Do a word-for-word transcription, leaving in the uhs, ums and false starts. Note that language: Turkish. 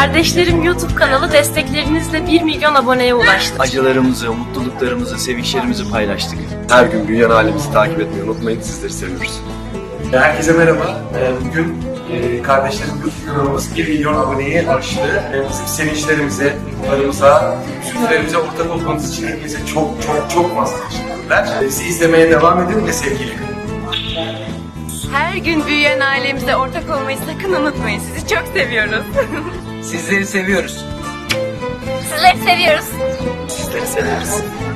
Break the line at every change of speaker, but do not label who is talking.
Kardeşlerim YouTube kanalı desteklerinizle bir milyon aboneye ulaştı.
Acılarımızı, mutluluklarımızı, sevinçlerimizi paylaştık.
Her gün büyüyen ailemizi takip etmeyi unutmayın. Sizleri seviyoruz.
Herkese merhaba. Bugün kardeşlerim YouTube kanalımız bir milyon aboneyi aştı. Bizim sevinçlerimize, mutlularımıza, üzüntülerimize ortak olmanız için herkese çok çok çok fazla teşekkürler. Bizi izlemeye devam edin ve sevgiyle kalın.
Her gün büyüyen ailemize ortak olmayı sakın unutmayın. Sizi çok seviyoruz.
Sizleri seviyoruz.
Sizleri seviyoruz.
Sizleri seviyoruz.